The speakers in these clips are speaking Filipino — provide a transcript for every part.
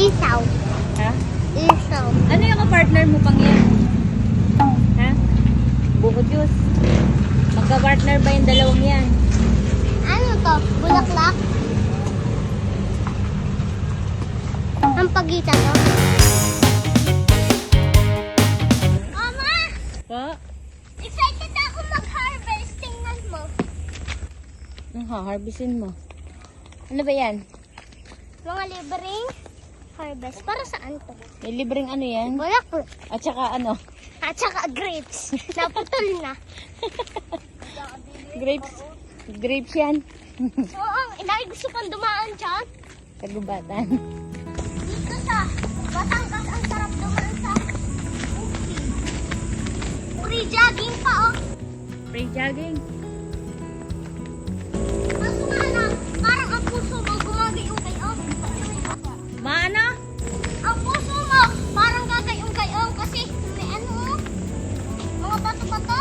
Isaw. Ha? Isaw. Ano yung partner mo pang yan? Ha? Buko juice. Magka-partner ba yung dalawang yan? Ano to? Bulaklak? Ang pagitan to? Mama! Po? Excited ako mag-harvest. Tingnan mo. Ang harvestin mo. Ano ba yan? Mga libreng harvest. Para saan to? May libreng ano yan? Bulaklak. At saka ano? At saka grapes. Naputol na. Grapes. Grapes yan. Oo, dahil gusto pang dumaan dyan. Kagubatan. Dito sa Batangas, ang sarap dumaan sa bukid. Free jogging pa, oh. Free jogging. Kaso nga lang, parang ang puso mo gumagayong-gay, oh. Maano? Ang puso mo, parang gagayong-gay, oh. Kasi may ano, oh. Mga bato-bato.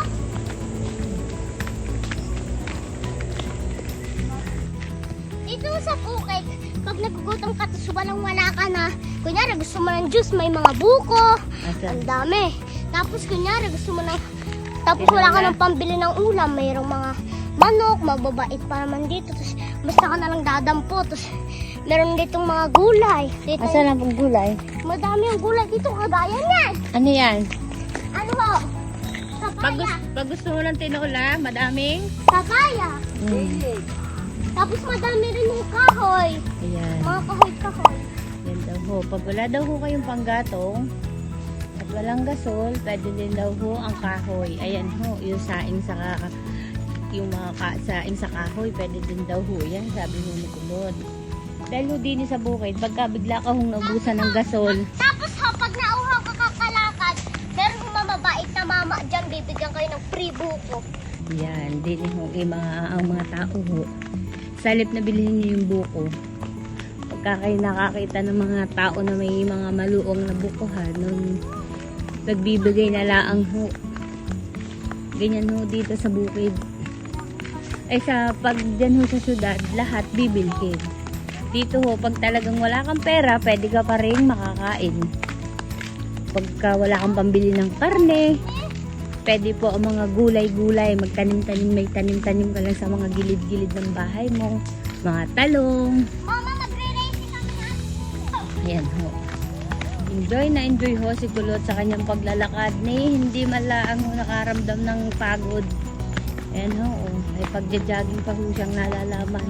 Dito sa bukid, pag nagugutom ka, tapos walang wala ka na, kunyari gusto mo ng juice, may mga buko, ang dami. Tapos kunyari gusto mo ng, tapos wala ka ng pambili ng ulam, mayroong mga manok, mababait pa naman dito, tapos basta ka na lang dadampo, tapos meron ditong mga gulay. Dito, Asan ang pang gulay? madami ang gulay dito, kagaya niyan. Ano yan? Ano ho? Papaya. Pag gusto mo ng tinola, madaming? Papaya. Tapos madami rin yung kahoy. Ayan. Mga kahoy-kahoy. Yan daw ho. Pag wala daw ho kayong panggatong at walang gasol, pwede din daw ho ang kahoy. Ayan ho, yung saing sa yung mga saing sa kahoy, pwede din daw ho yan, sabi ho ni Kulod. Dahil ho din sa bukid, pagka bigla ka hong naubusan ng gasol, Tapos ha, pag nauhaw ka kakalakad, meron yung mamabait na mama dyan, bibigyan kayo ng free buko. yan, din ho, ang mga tao ho. Sa halip na bilhin nyo yung buko, pagka kayo nakakita ng mga tao na may mga maluong na bukuhan, nun nagbibigay na laang ho. Ganyan ho dito sa bukid. Ay sa pag dyan ho sa syudad, lahat bibilhin. Dito ho, pag talagang wala kang pera, pwede ka pa rin makakain. Pagka wala kang pambili ng karne, pwede po ang mga gulay-gulay, magtanim-tanim, may tanim-tanim ka lang sa mga gilid-gilid ng bahay mo. Mga talong. Mama, magre-racing kami na. Ayan ho. Enjoy na enjoy ho si Kulot sa kanyang paglalakad ni hindi malaang nakaramdam ng pagod. Ayan ho, may pagja-jogging pa ho siyang nalalaman.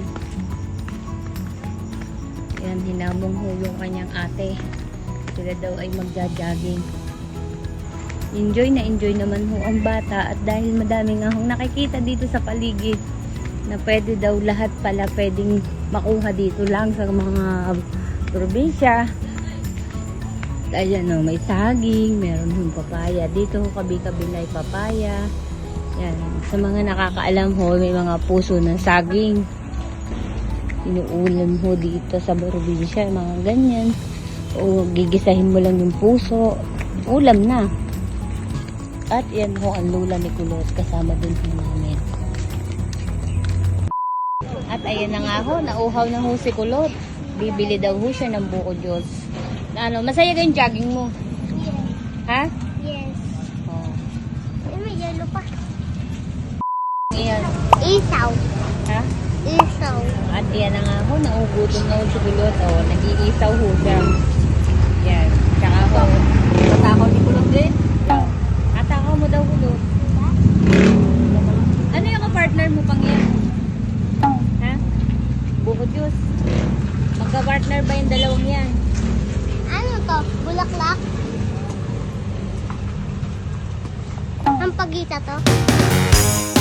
Ayan, hinamong ho yung kanyang ate. Sila daw ay magja-jogging. Enjoy na enjoy naman ho ang bata at dahil madami nga hong nakikita dito sa paligid na pwede daw lahat pala pwedeng makuha dito lang sa mga probinsya. Ayan o, may saging, meron hong papaya. Dito ho kabi-kabilay papaya. Yan, sa mga nakakaalam ho, may mga puso ng saging. Inuulam ho dito sa probinsya, mga ganyan. O gigisahin mo lang yung puso, ulam na. At yan ho ang lula ni Kulot, kasama din ho namin. At ayan na nga ho, nauhaw na ho si Kulot. Bibili daw ho siya ng buko juice. Ano, masaya ka yung jogging mo? Ha? Yes. Oh. Ay, may yellow pa. Ayan. Isaw. Ha? Isaw. At yan na nga ho, naugutom na ho si Kulot. O, nag-iisaw ho siya. Yan. Tsaka ho, matakaw ni Kulot din. Atakaw mo daw Kulot. Ano yung partner mo pang yan? Ha? Buko juice. Magka-partner ba yung dalawang yan? Ano to? Bulaklak? Ang pagitan to?